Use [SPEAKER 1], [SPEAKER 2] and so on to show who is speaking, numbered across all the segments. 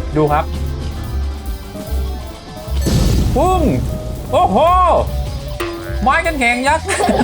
[SPEAKER 1] ดูครับปึ้งโอ้โหไม้กันแข่งยักษ์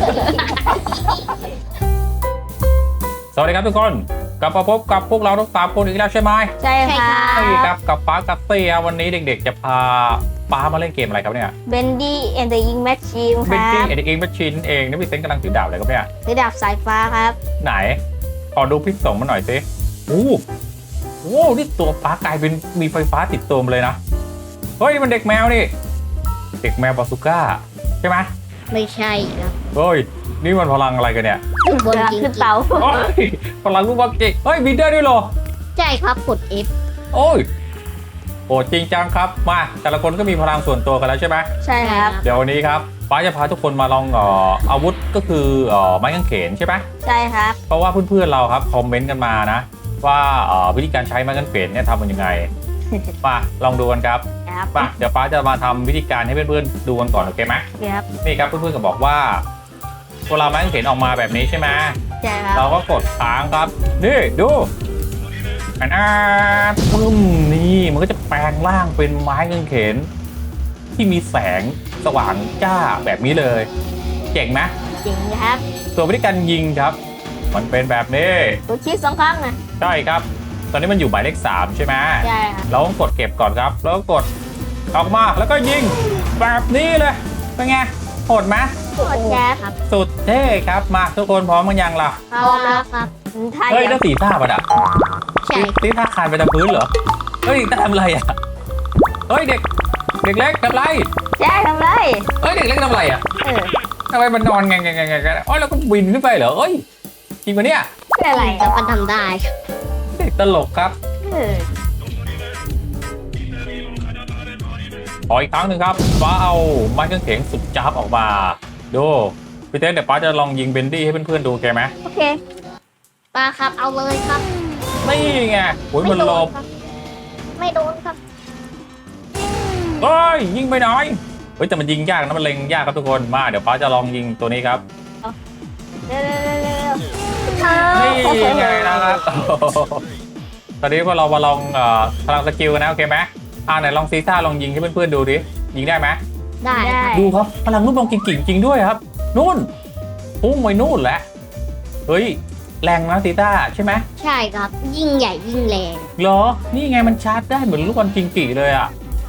[SPEAKER 1] สวัสดีครับทุกคนกลับมาพบกับพวกเราทั้ง3 คนอีกแล้วใช่ไหม
[SPEAKER 2] ใช่ค่ะ
[SPEAKER 1] ใช่ครับกับป๊ากับเตี้ยวันนี้เด็กๆจะพาป๊ามาเล่นเกมอะไรครับเนี่ย
[SPEAKER 2] เบนดี้แอนด์เดอะอิงแมชชีนค
[SPEAKER 1] เป็น
[SPEAKER 2] รั
[SPEAKER 1] ที่
[SPEAKER 2] บ
[SPEAKER 1] เอ็นแมชชีนเองนี่พี่เซนกำลังถือดาบอะไรครับเนี่ย
[SPEAKER 2] ระดับสายฟ้าครับ
[SPEAKER 1] ไหนขอดูพิษสงมาหน่อยสิโอ้โหนี่ตัวป๊ากลายเป็นมีไฟฟ้าติดตัวมาเลยนะเฮ้ยมันเด็กแมวนี่เด็กแมวบาซูก้าใช่ไหม
[SPEAKER 3] ไม่ใช่ครับ
[SPEAKER 1] เฮ้ยนี่มันพลังอะไรกันเนี่ย
[SPEAKER 3] บน
[SPEAKER 2] เวลา
[SPEAKER 3] จริง
[SPEAKER 2] ขึ้นเตา
[SPEAKER 1] โอ้ยพลังลูกบอลเก่งเฮ้ยบินได้ด้วยเหรอ
[SPEAKER 3] ใช่ครับกด F
[SPEAKER 1] โอ้ยโอ้จริงจังครับมาแต่ละคนก็มีพลังส่วนตัวกันแล้วใช่ไหม
[SPEAKER 2] ใช่ครับ
[SPEAKER 1] เดี๋ยววันนี้ครับป้าจะพาทุกคนมาลองอาวุธก็คือไม้กางเขนใช่ไหม
[SPEAKER 2] ใช่ครับ
[SPEAKER 1] เพราะว่าเพื่อนๆเราครับคอมเมนต์กันมานะว่าวิธีการใช้ไม้กางเขนเนี่ยทำมันยังไง มาลองดูกันครับ
[SPEAKER 2] ครับ
[SPEAKER 1] มาเดี๋ยวป้าจะมาทำวิธีการให้เพื่อนๆดูกันก่อนโอเคไหม
[SPEAKER 2] ครับ
[SPEAKER 1] นี่ครับเพื่อนๆก็บอกว่าเวลาไม้กางเขนออกมาแบบนี้ใช่ไหม
[SPEAKER 2] ใช่ครับ
[SPEAKER 1] เราก็กดค้างครับนี่ดูปึ้มนี่มันก็จะแปลงร่างเป็นไม้กางเขนที่มีแสงสว่างจ้าแบบนี้เลยเจ๋งไหม
[SPEAKER 2] จริงครับ
[SPEAKER 1] ส่วนวิธีการยิงครับ มันเป็นแบบนี้
[SPEAKER 2] ตัวชี้2 ครั้งนะ
[SPEAKER 1] ใช่ครับ ตอนนี้มันอยู่หมายเลข3ใช่ไหม
[SPEAKER 2] ใช่ครับ
[SPEAKER 1] เราต้องกดเก็บก่อนครับ แล้วก็กดออกมาแล้วก็ยิงแบบนี้เลยเป็นไงโหดไหม
[SPEAKER 2] กดแจ๊ครับ
[SPEAKER 1] สุดเท่ครับมาทุกคนพร้อมกันยังล่ะ
[SPEAKER 2] พร้อมแล้วครับไทย
[SPEAKER 1] เฮ้ยนั่นสีท่าปะอ่ะ
[SPEAKER 3] ใช่
[SPEAKER 1] สีท่าคานไปตามพื้นเหรอเฮ้ยทำอะไรอ่ะเฮ้ยเด็กเล็กทำไร
[SPEAKER 2] แจ๊ทำไร
[SPEAKER 1] เฮ้ยเด็กเล็กทำอะไรอ่ะ
[SPEAKER 2] เออ
[SPEAKER 1] ทำไมมันนอนไงกันอ๋อแล้วก็บินขึ้นไปเหรอเอ้ยจริงปะเนี่ย
[SPEAKER 2] เป็นอะไร
[SPEAKER 3] แต่มันทำได้
[SPEAKER 1] เด็กตลกครับ
[SPEAKER 2] เออ
[SPEAKER 1] ขออีกครั้งหนึ่งครับป้าเอาไม้กางเขนสุดจับออกมาดูพี่เต้เดี๋ยวป้าจะลองยิงเบนดี้ให้เพื่อนๆดูโอเคไหม
[SPEAKER 2] โอเค
[SPEAKER 3] ป้าครับเอาเลยครับ
[SPEAKER 1] นี่ไงโอ้ยมันหลบ
[SPEAKER 3] ครับไม่โดนครับ
[SPEAKER 1] เฮ้ยยิงไปหน่อยเฮ้ยแต่มันยิงยากนะมันเล็งยากครับทุกคนมาเดี๋ยวป้าจะลองยิงตัวนี้ครับ
[SPEAKER 2] เร็ว
[SPEAKER 1] นี่ไงนะครับตอนนี้พอเรามาลองพลังสกิลกันนะโอเคไหมไหนลองซีซ่าลองยิงให้เพื่อนๆดูดิยิงได้ไหม
[SPEAKER 3] ได้ครับ
[SPEAKER 1] ดูครับพลังลูกบอลกิ่งจริงด้วยครับนู่นพุ่งไปนู่นแหละเฮ้ยแรงนะซีซ่าใช่ไหม
[SPEAKER 3] ใช่ครับ ยิ่งใหญ่ยิ่งแรง
[SPEAKER 1] เหรอนี่ไงมันชาร์จได้เหมือนลูกบอลกิ่งเลยอ่ะ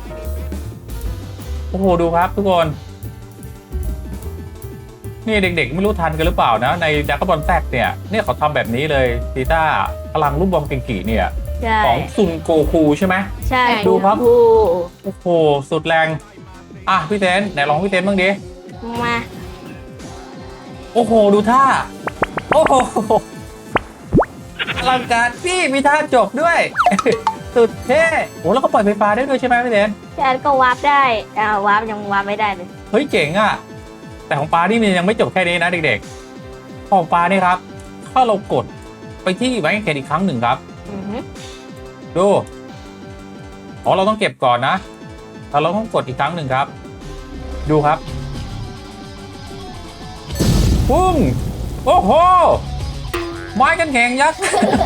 [SPEAKER 1] โอ้โหดูครับทุกคนนี่เด็กๆไม่รู้ทันกันหรือเปล่านะในดราก้อนบอลแซกเนี่ยเขาทำแบบนี้เลยซีต้าพลังลูกบอลกิ่งเนี่ย
[SPEAKER 2] ใช่
[SPEAKER 1] ของซุนโกคูใช่ไหม
[SPEAKER 2] ใช่
[SPEAKER 1] ดูครับ
[SPEAKER 2] โอ้
[SPEAKER 1] โอ้โหสุดแรงพี่เต้นไหนลองพี่เต้นบ้างดิ
[SPEAKER 2] มา
[SPEAKER 1] โอ้โหดูท่าโอ้โหอลังการพี่มีท่าจบด้วย สุดเท่โอ้แล้วก็ปล่อยไฟฟ้าได้ด้วยใช่ไหมพี่เต้น
[SPEAKER 2] แจ๊ก็วาร์ปได้วาร์ปยังวาร์ปไม่ได้เลย
[SPEAKER 1] เฮ้ยเจ๋งอ่ะแต่ของปลานี่มันยังไม่จบแค่นี้นะเด็กๆของปลานี่ครับถ้าเรากดไปที่ไม้กางเขนอีกครั้งหนึ่งครับ
[SPEAKER 2] อือฮึ
[SPEAKER 1] ดูเราต้องเก็บก่อนนะแล้วเราต้องกดอีกครั้งหนึ่งครับ ดูครับปุ้งโอ้โหไม้กันแข่งยักษ์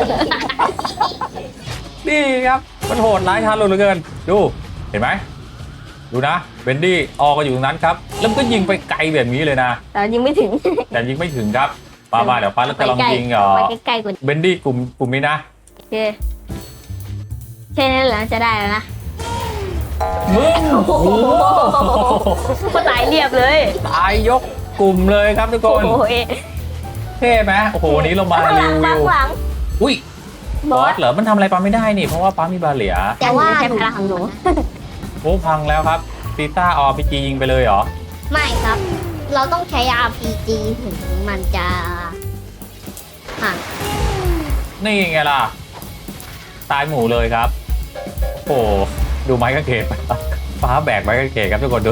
[SPEAKER 1] นี่ครับมันโหดร้ายทารุณเหลือเกินดูเห็นไหมดูนะเบนดี้ออกก็อยู่ตรงนั้นครับแล้วมันก็ยิงไปไกลแบบนี้เลยนะ
[SPEAKER 2] แต่ยิงไม่ถึง
[SPEAKER 1] แต่ยิงไม่ถึงครับมาเดี๋ยวป้าเราจะลองยิง
[SPEAKER 2] ไปใกล้ๆกว่านี้
[SPEAKER 1] เบนดี้กลุ่มนี้นะ
[SPEAKER 2] โอเคแค่นั้นแหละจะได้แล้วนะ
[SPEAKER 1] มึงโอ้โห
[SPEAKER 2] ก็ตายเรียบเลย
[SPEAKER 1] ตายยกกลุ่มเลยครับทุกค
[SPEAKER 2] โอ้
[SPEAKER 1] น
[SPEAKER 2] โหเอ๊ะ
[SPEAKER 1] เท่ไหมโอ้โหวันนี้เรามารีวิว
[SPEAKER 2] หลัง
[SPEAKER 1] อุ้ย
[SPEAKER 2] บบ อ
[SPEAKER 1] อ
[SPEAKER 2] ส
[SPEAKER 1] สเหรอมันทำอะไรป้าไม่ได้นี่เพราะว่าป้ามีบาเหลีย
[SPEAKER 3] แต่ว่า
[SPEAKER 2] ใช้พลังของหนู
[SPEAKER 1] โอ้พังแล้วครับซีต้าอพีจียิงไปเลยเหรอ
[SPEAKER 3] ไม่ครับ เราต้องใช้ RPG ถึงมันจะห่าง
[SPEAKER 1] นี่ไงล่ะตายหมู่เลยครับโอ้โหดูไม้กางเขนป้าแบกไม้กางเขนครับทุกคนดู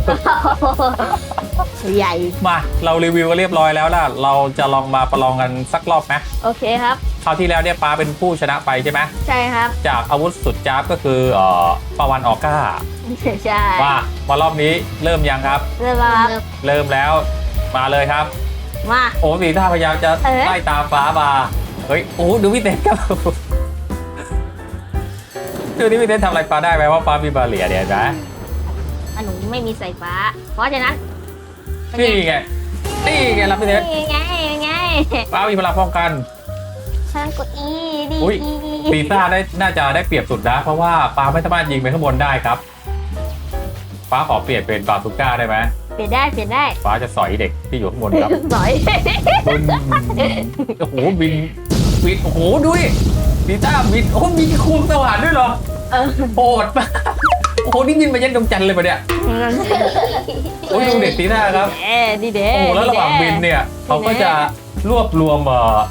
[SPEAKER 2] ใหญ่
[SPEAKER 1] มาเรารีวิวกันเรียบร้อยแล้วล่ะเราจะลองมาประลองกันสักรอบไหม
[SPEAKER 2] โอเคครับ
[SPEAKER 1] คราวที่แล้วเนี่ยป้าเป็นผู้ชนะไปใช่ไหม
[SPEAKER 2] ใช่ครับ
[SPEAKER 1] จากอาวุธสุดจ้าบก็คือปาวันออก้า
[SPEAKER 2] ใช่
[SPEAKER 1] มารอบนี้เริ่มยังครับ
[SPEAKER 2] เริ่มแล้วครับ
[SPEAKER 1] เริ่มแล้วมาเลยครับ
[SPEAKER 2] มา
[SPEAKER 1] โอ้สีท่าพยายามจะ
[SPEAKER 2] เอ๊ะ
[SPEAKER 1] ไล่ตามฟ้ามาเฮ้ยโอ้ดูพี่เต้ครับดูนี่พี่เต้นทำอะไรฟ้าได้ไหมว่าฟ้ามีบาเรียเนี่ยนะ
[SPEAKER 2] อันหนูไม่มีสายฟ้า เพราะฉะนั้น
[SPEAKER 1] นี่ไงนี่ไงรับพี่เต้น
[SPEAKER 2] นี่ไงไง
[SPEAKER 1] ฟ้ามีพลังป้องกัน
[SPEAKER 2] ฉันกดอีดี
[SPEAKER 1] อุ๊ย ซีซ่าน่าจะได้เปรียบสุดนะเพราะว่าฟ้าไม่สามารถยิงไปข้างบนได้ครับฟ้าขอเปลี่ยนเป็นบาซูก้าได้ไหม
[SPEAKER 2] เปลี่ยนได้
[SPEAKER 1] ฟ้าจะสอยเด็กที่อยู่ข้างบนครับ
[SPEAKER 2] สอย
[SPEAKER 1] บินโอ้โหบินโอ้โหดูดิซีซ่าบินโอ้โหมีควงสว่านด้วยเหรอ
[SPEAKER 2] เออ
[SPEAKER 1] โหดมากโอ้โหนี่บินมายันดวงจันทร์เลยปะเนี่ยโอ้ยดูเด็กซีซ่าครับ
[SPEAKER 2] ดีเด้
[SPEAKER 1] โอ้โหแล้วระหว่างบินเนี่ยเขาก็จะรวบรวม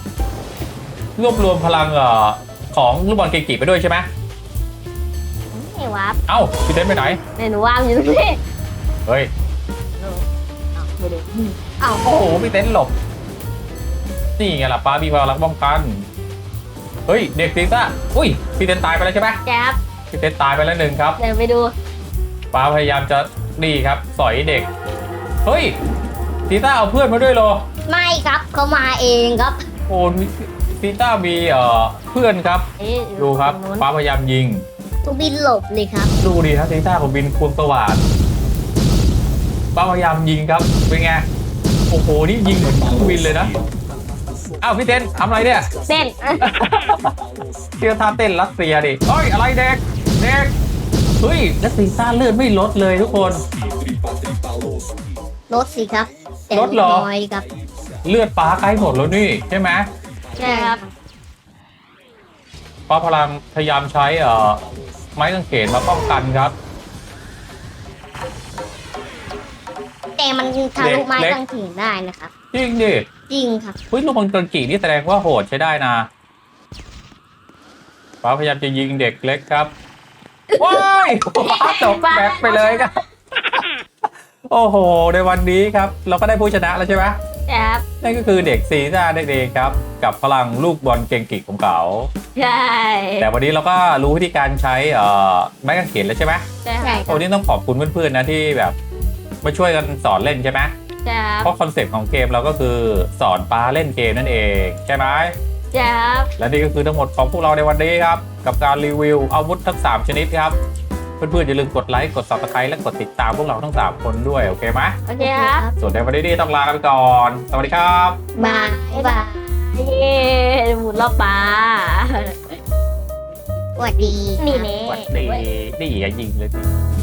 [SPEAKER 1] พลังของลูกบอลเกจิไปด้วยใช่ไหม
[SPEAKER 2] ไม่วับ
[SPEAKER 1] เอ้าพี่เต้นไปไหน
[SPEAKER 2] หนูวางอยู่ตรงนี้
[SPEAKER 1] เฮ้ย
[SPEAKER 2] ไม่ได้
[SPEAKER 3] อ้าว
[SPEAKER 1] โอ้โหพี่เต้นหลบนี่ไงล่ะป้ามีพลังป้องกันเฮ้ยเด็กซีซ่าอุ้ยพี่เต้นตายไปแล้วใช่ไหม
[SPEAKER 2] แจ๊บ
[SPEAKER 1] พี่เต้นตายไปแล้วหนึ่งครับ
[SPEAKER 2] เดี๋ยวไปดู
[SPEAKER 1] ป้าพยายามจะนี่ครับสอยเด็กเฮ้ยซีซ่าเอาเพื่อนมาด้วยเหรอ
[SPEAKER 3] ไม่ครับเขามาเองครับ
[SPEAKER 1] โอ้ซีซ่ามีเพื่อนครับดูครับป้าพยายามยิง
[SPEAKER 3] ตูบินหลบเลยครับ
[SPEAKER 1] ดูดิครับซีซ่าของบินควงสว่านป้าพยายามยิงครับเป็นไงโอ้โหนี่ยิงเหมือนเครื่องบินเลยนะอ้าวพี่เต้นทำอะไรเนี่ย
[SPEAKER 2] เส้น
[SPEAKER 1] เที่ยวท่าเต้นรัสเซียดิเฮ้ยอะไรเด็กเฮ้ยแล้วซีซ่าเลือดไม่ลดเลยทุกคน
[SPEAKER 3] รถสิครับแต่
[SPEAKER 1] รถเหรอ
[SPEAKER 3] น้อยครับ
[SPEAKER 1] เลือดป้าใกล้หมดแล้วนี่ใช่ไหม
[SPEAKER 2] ใช่ครับ
[SPEAKER 1] ป้าพลังพยายามใช้ไม้กางเขนมาป้องกันครับ
[SPEAKER 3] แต่มันทะลุไม้
[SPEAKER 1] เล็ก
[SPEAKER 3] กางเขนได้นะครับ
[SPEAKER 1] จริงดิ
[SPEAKER 3] จริงครับ
[SPEAKER 1] เฮ้ยลูกบอลกระกี่นี่แสดงว่าโหดใช้ได้นะป้าพยายามจะยิงเด็กเล็กครับว้ายป้าตกแบ็คไปเลยครับ โอ้โหในวันนี้ครับ เราก็ได้ผู้ชนะแล้วใช่ไหม
[SPEAKER 2] แจ๊บ
[SPEAKER 1] นั่นก็คือเด็กซีซ่าได้เองครับ กับพลังลูกบอลเก่งกิกของเขา
[SPEAKER 2] ใช่
[SPEAKER 1] แต่วันนี้เราก็รู้วิธีการใช้ไม้กางเขนแล้วใช่ไหม
[SPEAKER 2] ใช่
[SPEAKER 3] ใช่
[SPEAKER 2] ครับ
[SPEAKER 1] โอ้นี่ต้องขอบคุณเพื่อนๆนะที่แบบมาช่วยกันสอนเล่นใช่ไหม
[SPEAKER 2] แจ๊บ
[SPEAKER 1] เพราะคอนเซ็ปต์ของเกมเราก็คือสอนป้าเล่นเกมนั่นเองใช่ไหม
[SPEAKER 2] แจ๊บ
[SPEAKER 1] และนี่ก็คือทั้งหมดของพวกเราในวันนี้ครับ กับการรีวิวอาวุธทั้ง 3 ชนิดครับ เพื่อนๆอย่าลืมกดไลค์กด Subscribe และกดติดตามพวกเราทั้ง 3 คนด้วย โอเคไหม
[SPEAKER 2] โอเคครับ
[SPEAKER 1] ส่วนในวันนี้ต้องลากันไปก่อน สวัสดีครับ
[SPEAKER 3] บายบาย
[SPEAKER 2] เย้หมุนรอบปลา
[SPEAKER 3] สวัสดีครับ
[SPEAKER 2] นี่เน่
[SPEAKER 1] สวัสดีนี่อย่ายิงเลยสิ